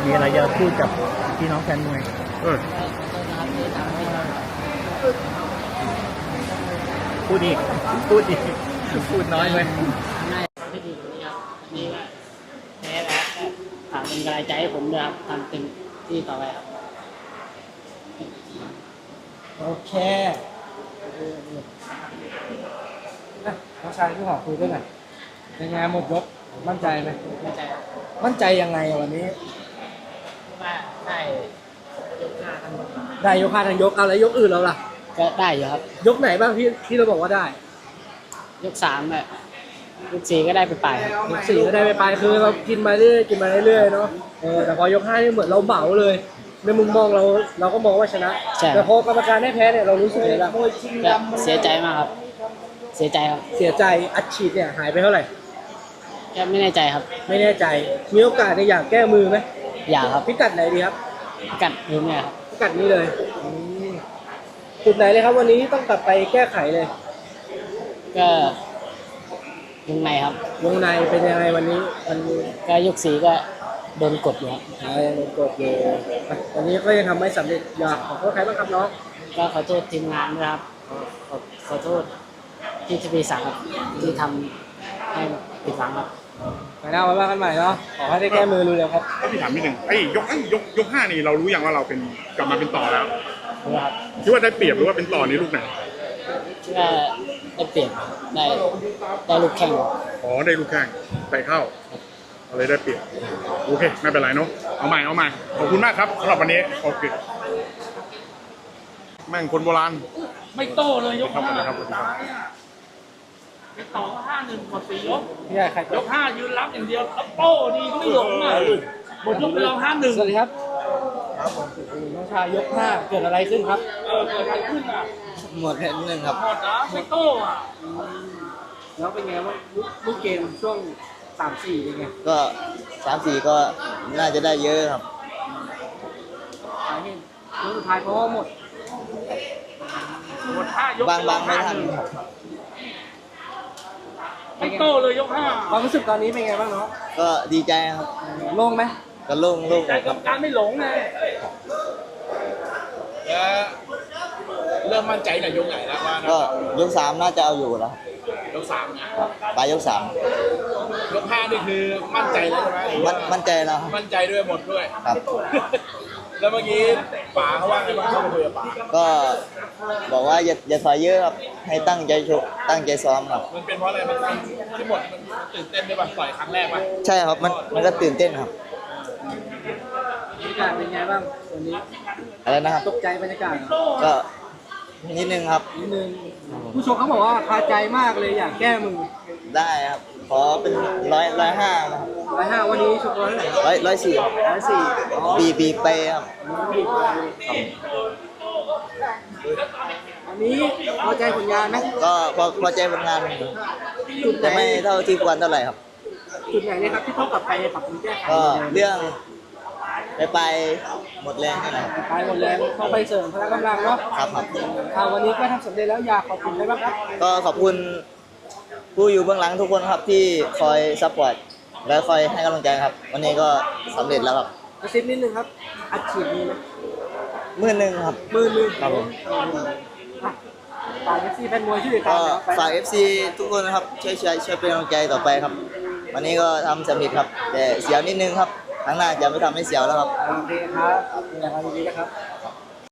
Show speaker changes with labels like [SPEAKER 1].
[SPEAKER 1] มีอะไรจะพูดกับพี่น้องแฟนมวยพูดอีกพูดน้อยไป
[SPEAKER 2] ไม่ดีกว่านี้ครับนี่ก็แพ้แล้วฝากเป็นกำลังใจให้ผมด้วยครับทำเต็มที่ต่อไปครับ
[SPEAKER 3] โอเคน้องชายที่ขอคุยด้วยหน่อยเป็นไงหมดยกมั่นใจไหม
[SPEAKER 2] มั่นใจครับ
[SPEAKER 3] มั่นใจยังไงวันนี้
[SPEAKER 2] ว่าได้ยก5ทั้งหมด
[SPEAKER 3] ได้ยก5ทั้งยกเอาแล้วยกอื่นเราล่ะ
[SPEAKER 2] ก็ได้อยู่ครับ
[SPEAKER 3] ยกไหนบ้างที่เราบอกว่าได้
[SPEAKER 2] ยก3แบบยก4ก็ได้ไปปลายครับ
[SPEAKER 3] ยก4ก็ได้ไปคือเรากินมาเรื่อยเนาะแต่พอยก5นี่เหมือนเราเหมาเลยในมุมมองเราก็มองว่าชนะแต่พอกรรมการได้แพ้เนี่ยเรารู้สึกยังไงบ้าง
[SPEAKER 2] เสียใจมากครับเสียใจครับ
[SPEAKER 3] เสียใจอัดฉีดเนี่ยหายไปเท่าไหร่
[SPEAKER 2] แค่ไม่แน่ใจครับ
[SPEAKER 3] ไม่แน่ใจมีโอกาสอยากแก้มือไหม
[SPEAKER 2] อยากครับ
[SPEAKER 3] พิกัดไหนดีครับ
[SPEAKER 2] พิกัดนี้เนี่ยครับ
[SPEAKER 3] พิกัดนี้เลยจุดไหนเลยครับวันนี้ต้องกลับไปแก้ไขเลย
[SPEAKER 2] ก็วงในครับ
[SPEAKER 3] วงในเป็นยังไงวันนี้
[SPEAKER 2] ก็ยก4ก็โดนกดอยู่ครับ
[SPEAKER 3] โดนกดอยู่วันนี้ก็ยังทำไม่สำเร็จอยากขอโทษใครบ้างครับน้อง
[SPEAKER 2] ก็ขอโทษทีมงานด้วยครับขอโทษที่ทีวี3ครับที่ทำให้ผิดหวังครับ
[SPEAKER 3] ไปหน้ามากันใหม่เนาะขอให้ได้แก้มือรู้เลยครับ
[SPEAKER 4] พี่ถามนิดนึงยก5นี่เรารู้ยังว่าเราเป็นกลับมาเป็นต่อแล้ว
[SPEAKER 2] ครับ
[SPEAKER 4] คิดว่าได้เปรียบหรือว่าเป็นต่อในลูกไหน
[SPEAKER 2] คิดว่าได้เปรียบได้ลูกแข่ง
[SPEAKER 4] ได้ลูกแข่งไปเข้าอะไรได้เปรียบโอเคไม่เป็นไรเนาะเอาใหม่ขอบคุณมากครับสำหรับวันนี้โอเคแม่งคนโบราณ
[SPEAKER 5] ไม่โตเลยยก5
[SPEAKER 4] ครับ
[SPEAKER 5] ไปต่อก็5-1หมด4ยก
[SPEAKER 3] ย
[SPEAKER 5] ก5ยืนรับอย่างเดียวแล้วโป้ดีก็ไม่หลงอ่ะหมดยกไปเรา5-1
[SPEAKER 3] สวัสดีครับน้องชายยก5เกิดอะไรขึ้นครับ
[SPEAKER 5] เกิดอะไรขึ้นอ่ะ
[SPEAKER 3] หมดแค่นิดนึงครับ
[SPEAKER 5] หมดนะไม่โตอ่ะ
[SPEAKER 3] แล้วเป็นไงว่าลูกเกมช่วง3-4เป็นไง
[SPEAKER 6] ก็3-4ก็น่าจะได้เยอะครับ
[SPEAKER 3] สาเหตุยกสุดท้ายเพราะว่าหมด
[SPEAKER 5] 5ยก
[SPEAKER 6] บางไม่ทัน
[SPEAKER 5] ไม่โตเลยยก5
[SPEAKER 3] ความรู้สึกตอนนี้เป็นไงบ้างเนาะ
[SPEAKER 6] ก็ดีใจครับ
[SPEAKER 3] โล่งไหม
[SPEAKER 6] ก็โล่ง
[SPEAKER 5] ใจกับการไม่หลงไงเริ่มมั่นใจในยกไหนแล้วว่า
[SPEAKER 6] ก็ยก3น่าจะเอาอยู่แล้ว
[SPEAKER 5] ยก3นะ
[SPEAKER 6] ปลายยก3
[SPEAKER 5] ยก5นี่คือมั่นใจแล้วใช่ไหม
[SPEAKER 6] มั่นใจแล้ว
[SPEAKER 5] มั่นใจด้วยหมดด้วย
[SPEAKER 6] ครับ
[SPEAKER 5] แล้วเมื่อกี้ป๋าเขาว่าไงบ้างเขาคุยกับป๋า
[SPEAKER 6] ก็บอกว่าอย่าถอยเยอะครับให้ตั้งใจชกตั้งใจซ้อมครับ
[SPEAKER 5] มันเป็นเพราะอะไรมันที่หมดมันตื่นเต้นด้วยป่ะต่อยครั้งแรกป่ะ
[SPEAKER 6] ใช่ครับมันก็ตื่นเต้นครับ
[SPEAKER 3] บรรยากาศเป็นไงบ้างวันนี้
[SPEAKER 6] อะไรนะครับ
[SPEAKER 3] ตกใจบรรยากาศ
[SPEAKER 6] ก็นิดนึงครับ
[SPEAKER 3] นิดนึงผู้ชมเขาบอกว่าคาใจมากเลยอยากแก้มือ
[SPEAKER 6] ได้ครับขอเป็น105นะครับ
[SPEAKER 3] 105วันนี้ชก100เท่าไหร่
[SPEAKER 6] 104บีไปครับ
[SPEAKER 3] อันนี้พอใจผลงานไหม
[SPEAKER 6] ก็พอใจผลงานแต่ไม่เท่าที่ควรเท่าไหร่ครับ
[SPEAKER 3] จุดไหนเนี่ยครับที่ต้องกลับไปปรับปรุงแก้ไข
[SPEAKER 6] ก็เรื่องไปหมดแรงนี่แหละ
[SPEAKER 3] ไปหมดแรงต้องไปเสริมพละกำลังเนาะ
[SPEAKER 6] ครับ
[SPEAKER 3] วันนี้ก็ทำสำเร็จแล้วอยากขอบคุณใครบ้างครับ
[SPEAKER 6] ก็ขอบคุณผู้อยู่เบื้องหลังทุกคนครับที่คอยซัพพอร์ตและคอยให้กำลังใจครับวันนี้ก็สำเร็จแล้วครับ
[SPEAKER 3] กระซิบนิดนึงครับอัดฉีดมีไหม
[SPEAKER 6] 10,000ครับ
[SPEAKER 3] 10,000
[SPEAKER 6] ครับผม
[SPEAKER 3] ฝาก FC แฟนมวยช่วยกัน
[SPEAKER 6] ฝาก FC ทุกคนนะครับช่วยเป็นกำลังใจต่อไปครับวันนี้ก็ทำสำเร็จครับแต่เสียวนิดนึงครับครั้งหน้าจะไม่ทำให้เสียวแล้วครับ
[SPEAKER 3] โอเคครับอย่างไรดีนะครับ